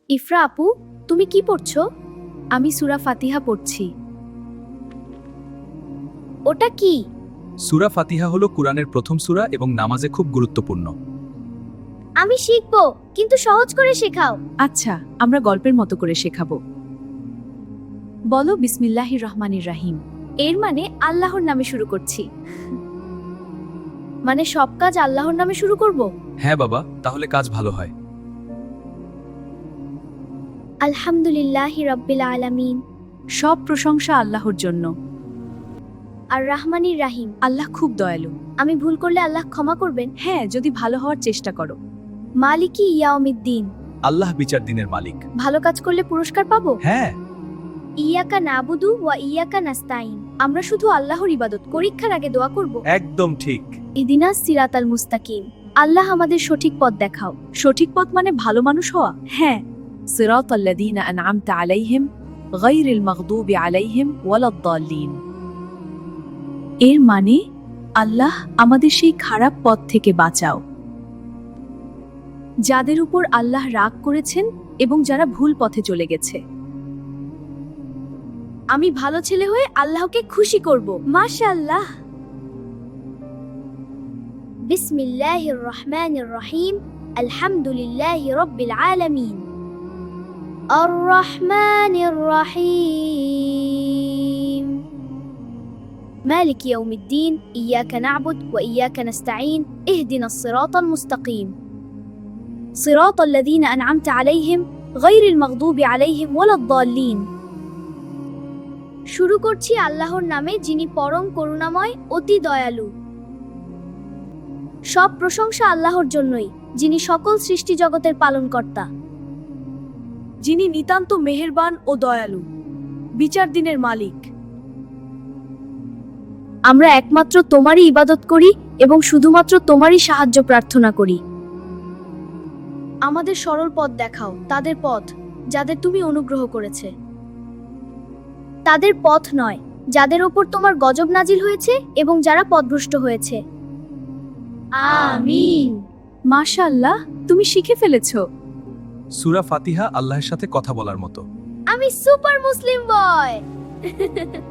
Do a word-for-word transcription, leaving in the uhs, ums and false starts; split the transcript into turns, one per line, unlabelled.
ইফরা আপু, তুমি কি পড়ছো? আমি সূরা ফাতিহা পড়ছি। ওটা কি?
সূরা ফাতিহা হলো কুরআনের প্রথম সূরা এবং নামাজে খুব গুরুত্বপূর্ণ।
আমি শিখবো, কিন্তু সহজ করে শেখাও।
আচ্ছা, আমরা গল্পের মতো করে শেখাবো। বলো বিসমিল্লাহির রহমানির রাহিম।
এর মানে আল্লাহর নামে শুরু করছি। মানে সব কাজ আল্লাহর নামে শুরু করব?
হ্যাঁ বাবা, তাহলে কাজ ভালো হয়।
আলহামদুলিল্লাহি রাব্বিল আলামিন।
সব প্রশংসা আল্লাহর জন্য।
আর রাহমানির রাহিম।
আল্লাহ খুব দয়ালু।
আমি ভুল করলে আল্লাহ ক্ষমা করবেন।
হ্যাঁ, যদি ভালো হওয়ার চেষ্টা করো।
মালিকি ইয়াউমিদ্দিন।
আল্লাহ বিচার দিনের মালিক।
ভালো কাজ করলে পুরস্কার পাবো।
হ্যাঁ,
ইয়াকা নাবুদু ওয়া ইয়াকা নাস্তাইন। আমরা শুধু আল্লাহর ইবাদত, পরীক্ষার আগে দোয়া করব।
একদম ঠিক।
ইদিনাস সিরাতাল মুস্তাকিম। আল্লাহ আমাদের সঠিক পথ দেখাও।
সঠিক পথ মানে ভালো মানুষ হওয়া। হ্যাঁ, সিরাতাল্লাযীনা আন'আমতা আলাইহিম গায়রিল মাগদুবি আলাইহিম ওয়ালাদ-দাল্লিন। এর মানে আল্লাহ আমাদের সেই খারাপ পথ থেকে বাঁচাও, যাদের উপর আল্লাহ রাগ করেছেন এবং যারা ভুল পথে চলে গেছে।
আমি ভালো ছেলে হয়ে আল্লাহকে খুশি করব। মাশাআল্লাহ। বিসমিল্লাহির রহমানির রহিম। আলহামদুলিল্লাহি রাব্বিল আলামিন। আর রহমানির রহিম। মালিকি ইয়াউমিদ্দিন। ইয়াকা না'বুদ ওয়া ইয়াকা নাস্তাঈন। ইহদিনাস সিরাতাল মুস্তাকিম। সিরাতাল্লাযীনা আন'আমতা আলাইহিম গায়রিল মাগদুবি আলাইহিম ওয়ালাদ-দাল্লিন। শুরু করছি আল্লাহর নামে, যিনি পরম করুণাময়, অতি দয়ালু। সব প্রশংসা আল্লাহর জন্যই, যিনি সকল সৃষ্টি জগতের পালনকর্তা,
যিনি নিতান্ত মেহেরবান ও দয়ালু, বিচার দিনের মালিক।
আমরা একমাত্র তোমারই ইবাদত করি এবং শুধুমাত্র তোমারই সাহায্য প্রার্থনা করি। আমাদের সরল পথ দেখাও, তাদের পথ যাদের তুমি অনুগ্রহ করেছে। তাদের পথ নয়, যাদের ওপর তোমার গজব নাজিল হয়েছে এবং যারা পথভ্রষ্ট হয়েছে। আমিন।
মাশাআল্লাহ, তুমি শিখে ফেলেছো।
সূরা ফাতিহা আল্লাহর সাথে কথা বলার মতো।
আমি সুপার মুসলিম বয়।